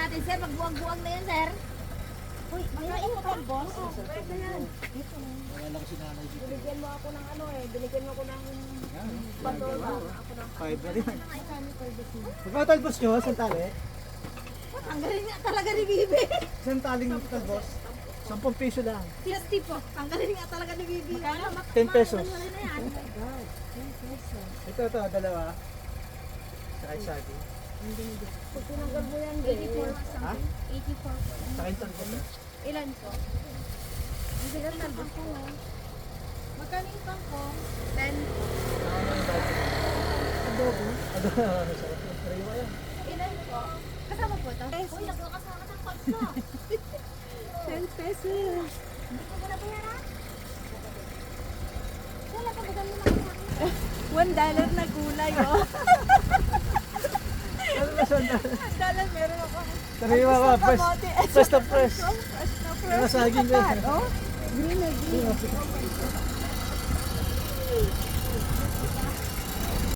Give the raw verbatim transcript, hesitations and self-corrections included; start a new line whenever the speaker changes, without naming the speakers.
natin, sir. Magbuwag-buwag na yan, sir. Uy, makain mo pa, boss? Oo, pwede yan.
Wala lang si nanay dito.
Binigyan mo ako ng ano eh. Binigyan mo ako ng patola. Ako ng
Five na rin. Magkano talbos nyo? Saan tali?
tanggalin nga talaga ni Bibi.
Saan taling talbos? Sampung piso lang.
Fifty po. Tanggalin nga talaga ni Bibi. Magkano?
Ten pesos.
Wala na yan. Oh my God. ten pesos.
Ito, ito, dalawa. Saka isagi.
Pag tinanggal mo yan, eighty-four
Ha?
eighty-four po.
Saka yung talbos.
Ilan po? Hindi ka talbos po. Magkano yung kangkong? ten.
Adobo. Adobo. Sarap ng sariwa yan.
Ilan po? Kasama po ito? Uy, nagkakasama ng pagka. ten pesos. Hindi ko muna bayaran? Wala pa ba kami makakita? One dollar na gulay, oh.
Ano ba saan tali?
One dollar meron ako.
Sariwa ka. Fresh. Fresh na fresh.
Fresh na fresh.
Yung saging ko.
Oh, green na green.